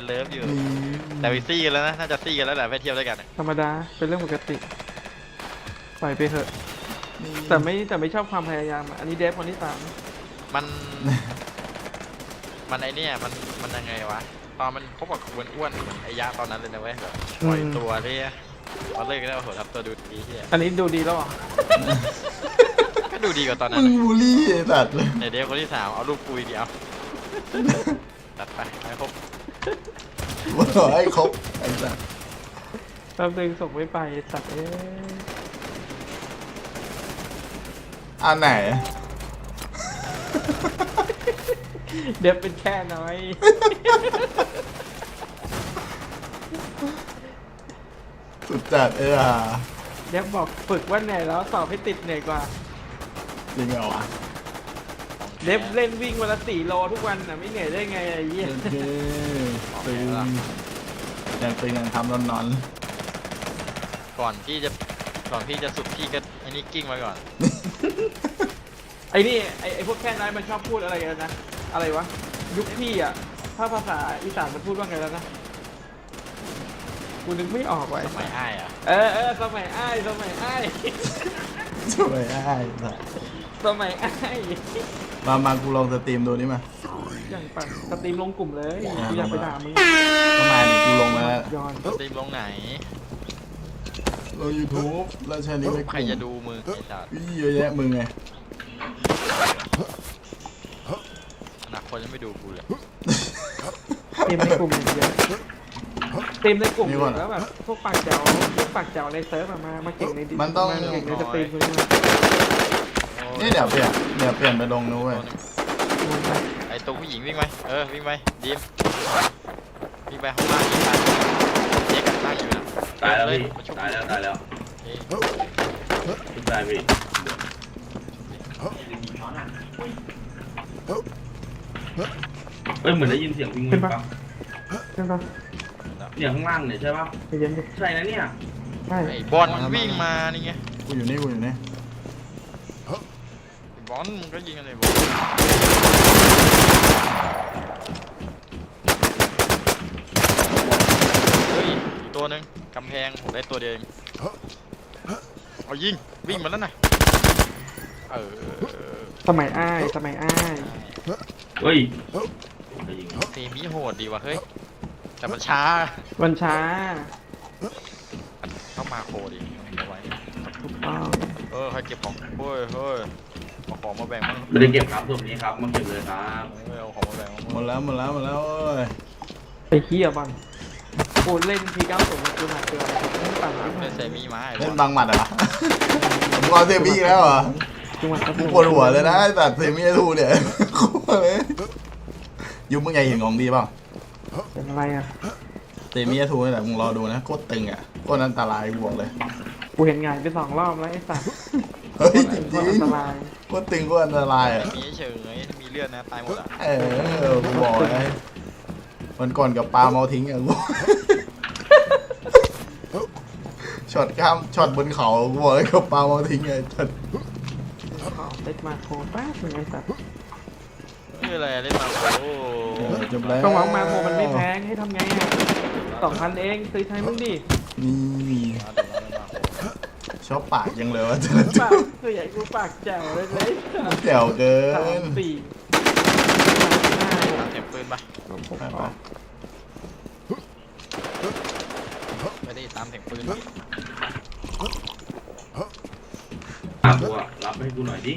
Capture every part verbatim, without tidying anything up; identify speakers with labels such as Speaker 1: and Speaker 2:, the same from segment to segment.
Speaker 1: เลิฟอยู่แต่ไปซี่กันแล้วนะน่าจะซี่กันแล้วแหละไปเที่ยวด้วยกัน
Speaker 2: ธรรมดาเป็นเรื่องปกติปล่อยไปเถอะแต่ไม่แต่ไม่ชอบความพยายามอันนี้เดฟคนที่สาม
Speaker 1: มันมันไอเนี่ยมันมันยังไงวะตอนมันพบกับอ้วนอ้วนเหมือนไอ้ยะตอนนั้นเลยนะเว้ยแบบปล่อยตัวเนี่ยตอนเลิกก็ได้โอ้โหทำตัวดูดีที่
Speaker 2: อันนี้ดูดีแล้วอ่ะ
Speaker 1: ก็ดูดีกว่าตอนนั้น
Speaker 3: มึงบูลลี่ไอ้สัตว์เลย
Speaker 1: เดี๋ยวคนที่สามเอารูปปุยเดียวตัดไปให้ครบ
Speaker 3: ว่าขอให้ครบไอ้สัตว์
Speaker 2: แป๊บนึงส่งไม่ไปสัตว์เอ้
Speaker 3: อันไหน
Speaker 2: เดี๋ยวเป็นแค่น้อย
Speaker 3: สุดจัดเออ
Speaker 2: เดี๋ยวบอกฝึกว่าเหนื่อยแล้วสอบให้ติดเหนื่อยกว่า
Speaker 3: จริงเหรอวะ
Speaker 2: เดฟเล่นวิ่งวันละสี่โลทุกวันน่ะไม่เหนื่อยได้ไงไอ้เหี้ย
Speaker 3: ตึงยังตึงยังทำนอน
Speaker 1: ๆก่อนที่จะก่อนที่จะสุดที่ก็ไอ้นี่กิ้งมาก่อน
Speaker 2: ไอ้นี่ไอ้ไอ้พวกแค่นั้นมันชอบพูดอะไรกันนะอะไรวะยุคพี่อ่ะถ้าภาษาอีสานมันพูดว่าไงแล้วนะกูนึกไม่ออกไว้
Speaker 1: สมัยอ้ายอ่ะ
Speaker 2: เออเออสมัยอ้ายสมัยอ้าย
Speaker 3: สมัยอ้าย
Speaker 2: สมัยอ้าย
Speaker 3: มามากูลองสตรีมดูนี่มา
Speaker 2: อย่างปังสตรีมลงกลุ่มเลยกูอยากไปด่ามึง
Speaker 3: ก็มาดิกูลงมาแล้ว
Speaker 1: สตรีมลงไหน
Speaker 3: ลงยูทูบแล้วใช้นี้ไม่
Speaker 1: ใครจะดูมึงไอ้สัตว์
Speaker 3: เยอะแยะมึงไง
Speaker 1: หนักคนจะไม่ดูกูเลย
Speaker 2: เต็มในกลุ่มเยอะเต็มในกลุ่มแล้วแบบพวกปากแจวพวกปากแจวในเซิร์ฟมามาเก่งในดิ
Speaker 3: มันต้อง
Speaker 2: เก่งในสตรีมเลย
Speaker 3: นี่เดี๋ยวเปลี่ยนเดี๋ยวเปลี่ยนไปลงนู้นเว้ย
Speaker 1: ไอ้ตัวผู้หญิงวิ่งไหมเออวิ่งไปดีมวิ่งไปข้างล่างยิงไปเจ๊กันตั้งอยู่นะ
Speaker 4: ตายแล้วพี่ตายแล้วตายแล้วตายพี่เฮ้ยเหมือนได้ยินเสียงวิ่งวิ่งปะ
Speaker 2: ใช่ปะ
Speaker 4: เนี่ยข้างล่างเนี่ยใช่ปะใช่นะเนี่ย
Speaker 2: ใช่
Speaker 1: ไอ้บอลมันวิ่งมานี่ไง
Speaker 3: กูอยู่นี่กูอยู่นี่
Speaker 1: บอลมันก็ยิงอะไรบอลเฮ้ยตัวหนึ่งกำแพงผมได้ตัวเดียวเอายิงวิ่งมาแล้วนะเออ
Speaker 2: สมัยอ้ายสมัยอ้าย
Speaker 4: เฮ้ย
Speaker 1: เซมิโหดดีว่ะเฮ้ยแต่มันช้า
Speaker 2: มันช้า
Speaker 1: เข้ามาโคดิเอาไว้
Speaker 2: ถูกต้อง
Speaker 1: เออใครเก็บของเฮ้ยเฮ้ยเอาของมาแบ่งมั้ง
Speaker 4: ไม่ได้เก็บครับส่วนนี้ครับมาเก็บเลยครับ
Speaker 1: เอาของมาแบ่ง
Speaker 3: หมดแล้วหมดแล้วหมดแล้วเอ้ย
Speaker 2: ไอ้เหี้ยบังกูเล่นทีเก้าสูงกูหนักเกินต่างกัน
Speaker 1: เล่นเซมิมา
Speaker 3: เล่นบางหมัดเหรอมึงเอาเซมิแล้วเหรอกูปวดหัวเลยนะแต่เซมิทูเนี่ยเลยยุบมึงใหญ่เห็นของดีเปล่า
Speaker 2: เป็นอะไรอ่ะ
Speaker 3: เซมิทูนี่แหละมึงรอดูนะโคตรตึงอ่ะโคตรอันตรายกูบอกเลย
Speaker 2: กูเห็นงานไปสองรอบแล้วไอ้สัส
Speaker 3: เฮ้ยจริงจริงโคตรตึงโคตรอันตรายอ่ะ
Speaker 1: มีเฉยมีเลือดนะตายหมดอ่ะ
Speaker 3: เออกูบอกเลยวันก่อนกับปลาเมาทิ้งอ่ะกูช็อตข้ามช็อตบนเขากูบอกเลยกับปลาเมาทิ้งไงช็อต
Speaker 2: เล่นมาโคแป๊บนึงไอ้สัส
Speaker 1: นี่อะไรเล่นมาโอ้
Speaker 3: จบแล้ว
Speaker 2: ก็หวังมาโคมันไม่แพงให้ทำไงอ่ะสองพันเองซื้อใช้มึงดิ
Speaker 3: นี่ชอบปากยังเลยวะ
Speaker 2: ปากคือใหญ่กูปากแจ๋วเลยเลย
Speaker 3: แจ๋วเกิน
Speaker 2: สี่
Speaker 1: เก็บปืนปะไม่ได้ตามเสียงปืน
Speaker 4: อาบัวรับให้กูหน่อยดิ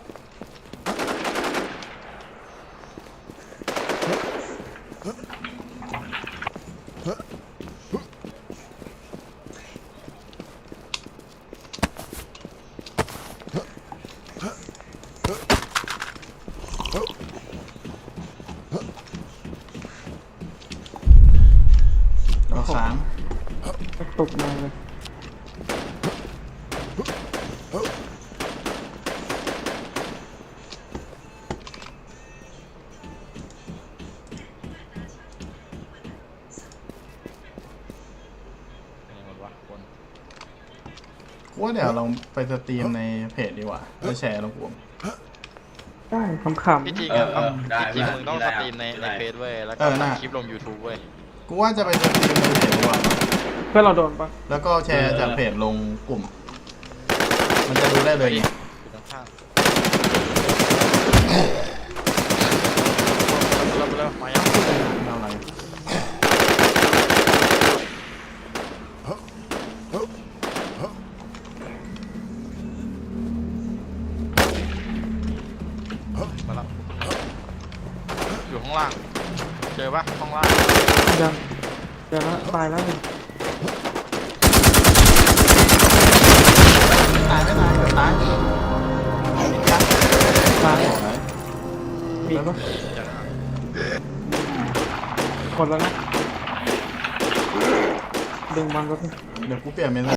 Speaker 3: เราค้าง
Speaker 2: ตกมาเลย
Speaker 3: ว่าเดี๋ยวเราไปสตรีมในเพจดีกว่าแล้วแชร์ลงกลุ่ม
Speaker 2: ได้คำคำ
Speaker 1: จริงๆอ่ะจริงๆมึงต้องสตรีมในในเพจเว้ยแล้วก็คลิปลง ยูทูบ เว้ย
Speaker 3: กูกูว่าจะไปสตรีมในเพจดีกว่า
Speaker 2: เพื่อนเราโดนปะ
Speaker 3: แล้วก็แชร์จากเพจลงกลุ่ม มันจะดูได้เลยไง
Speaker 1: อยู่ข้างๆเริ่มเริ่มมายัง
Speaker 3: เอาอะไร
Speaker 1: มาแล้วอยู่ข้างล่างเจอปะข้างล่าง
Speaker 2: ยังเดี๋ยวแล้วตายแล้วนี่
Speaker 3: ตายไม่ตายเดี๋ยวตาย
Speaker 2: ตายมีปะคนแล้วนะดึงมันก็
Speaker 3: เดี๋ยวกูเปลี่ยนเมนู